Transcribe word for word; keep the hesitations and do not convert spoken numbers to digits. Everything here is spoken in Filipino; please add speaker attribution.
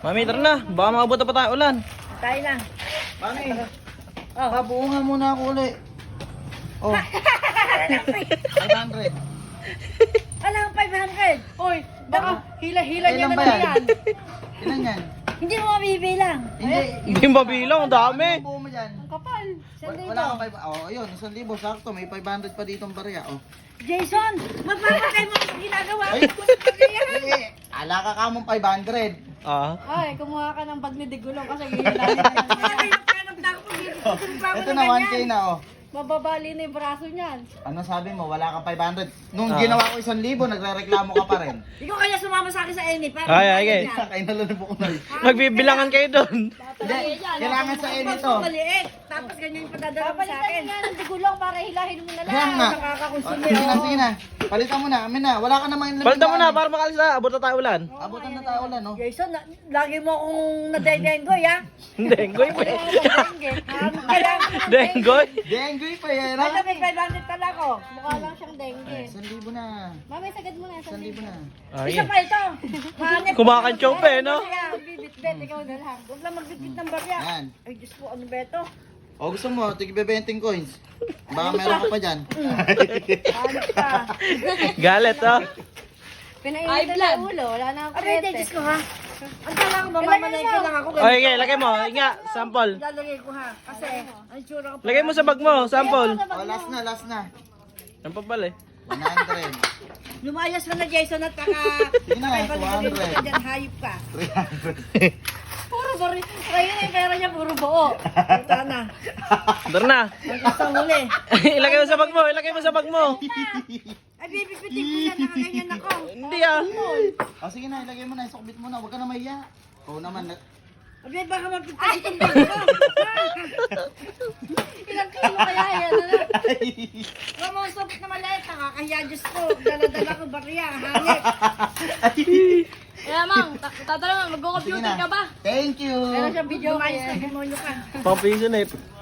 Speaker 1: Mami, tara na. Baka makabot pa tayo ulan.
Speaker 2: Tayo na.
Speaker 3: Mami,
Speaker 2: Oh.
Speaker 3: pabuungan muna ako ulit. Oh. five hundred.
Speaker 2: Alang five hundred.
Speaker 4: Oy, baka hila-hila niya
Speaker 3: Ilan
Speaker 4: na
Speaker 3: ba
Speaker 4: lang
Speaker 3: yan?
Speaker 4: yan.
Speaker 3: Ilan yan?
Speaker 2: Hindi mo mabibilang.
Speaker 3: Hindi.
Speaker 1: Hindi mabilang, ang dami.
Speaker 3: Ano ang buo mo dyan?
Speaker 4: Ang kapal.
Speaker 2: Isang
Speaker 3: Wala,
Speaker 2: libo.
Speaker 3: wala kang five. Oh, ayun, isang libo. Sakto, may five hundred pa dito ang barya. Oh.
Speaker 2: Jason, magpapakay mo ang ginagawa
Speaker 3: Ay,
Speaker 2: mo.
Speaker 3: eh, ala ka ka mong five hundred.
Speaker 1: Ah.
Speaker 4: Ay, kumuha ka ng bag ni Digulong kasi hihilahin ka lang niya.
Speaker 2: Hanap na ako pag
Speaker 3: Ito na, one K na, oh.
Speaker 4: Mababali na yung braso niyan.
Speaker 3: Ano sabi mo? Wala kang five hundred. Nung
Speaker 1: Ah.
Speaker 3: ginawa ko isang libo, nagre-reklamo ka pa rin.
Speaker 2: Ikaw kaya sumama sa akin sa Eni. Para
Speaker 1: Ay, ay, ay.
Speaker 3: Kaya nalang po ko na.
Speaker 1: Magbibilangan kayo doon.
Speaker 3: Hindi, kailangan sa Eni
Speaker 2: Tapos
Speaker 3: to.
Speaker 2: maliit. Tapos ganyan yung padadala mo sa
Speaker 4: Papalitan
Speaker 2: akin.
Speaker 4: niya ng Digulong para hilahin mo na
Speaker 3: Kaya
Speaker 4: lang.
Speaker 3: nga.
Speaker 2: Nakakakonsume.
Speaker 3: Sige na, sige na. Palitan mo na. Amin na. Wala ka namang inilagay.
Speaker 1: Palitan mo na para makalis na. Abot na tayo ulan.
Speaker 3: Abutan na tayo ulan, no?
Speaker 2: Jason, na, lagi mo akong nadaydengoy, ha?
Speaker 1: Denggoy pa yan.
Speaker 2: Kailangan
Speaker 1: Denggoy.
Speaker 3: Denggoy pa yan,
Speaker 2: Ano,
Speaker 3: ha?
Speaker 2: may five hundred pala ko.
Speaker 4: Mukha lang siyang dengue.
Speaker 3: Isang libo na.
Speaker 4: Mami, sagad mo na.
Speaker 3: Isang libo na.
Speaker 1: Ay.
Speaker 2: Isa pa ito. Hanip.
Speaker 1: Kumakantsaw pa eh, no?
Speaker 4: Bibit-bit, ikaw na lang.
Speaker 2: Huwag lang magbitbit ng barya.
Speaker 3: Yan.
Speaker 2: Ay, Diyos ko, ano ba ito?
Speaker 3: O gusto mo, tigbe-benting coins. Baka meron ka pa dyan.
Speaker 2: Hanip ka.
Speaker 1: Galit, oh.
Speaker 4: Pinainit na sa ulo. Wala na akong
Speaker 2: Aray,
Speaker 4: kurete.
Speaker 2: Diyos ko, ha? Ang kala ko, mamamalay ko lang ako.
Speaker 1: Okay, okay, lagay mo. Inga, sample.
Speaker 2: Lalagay ko, ha? Kasi, ang tsura ko.
Speaker 1: Lagay mo sa bag mo, sample.
Speaker 3: O, last na, last na.
Speaker 1: Ang papal eh.
Speaker 3: one hundred.
Speaker 2: Lumayas ka na, Jason, at baka...
Speaker 3: Sige na,
Speaker 2: Ay, balik-balik
Speaker 3: two hundred.
Speaker 2: ka dyan, hayop ka.
Speaker 3: three hundred.
Speaker 4: Puro bari. Kaya yung pera niya, puro buo.
Speaker 2: Ito na.
Speaker 1: Tara na.
Speaker 2: Ang isang huli.
Speaker 1: Ilagay mo sa bag mo, ilagay mo sa bag mo.
Speaker 2: Ay, bibipitin ko yan. Nakaganyan ako.
Speaker 1: Hindi ah.
Speaker 3: O sige na, ilagay mo na, isukbit mo na. Huwag ka na mahiya. Oo naman. na-
Speaker 2: Abi, baka magpitas itong bag ko.
Speaker 4: Ilang kilo kaya yan? Ano?
Speaker 2: Huwag mo ang supit na maliit. Nakakahiya, Diyos ko. Dala-dala ko barya. Hanip.
Speaker 4: Kaya mang, ta- tatanong,
Speaker 3: Sige
Speaker 4: mag-computer
Speaker 3: na.
Speaker 4: ka ba?
Speaker 3: Thank you.
Speaker 4: Meron siyang video
Speaker 2: Lumayas
Speaker 4: kaya.
Speaker 2: na demonyo ka.
Speaker 1: Pang piso na eh.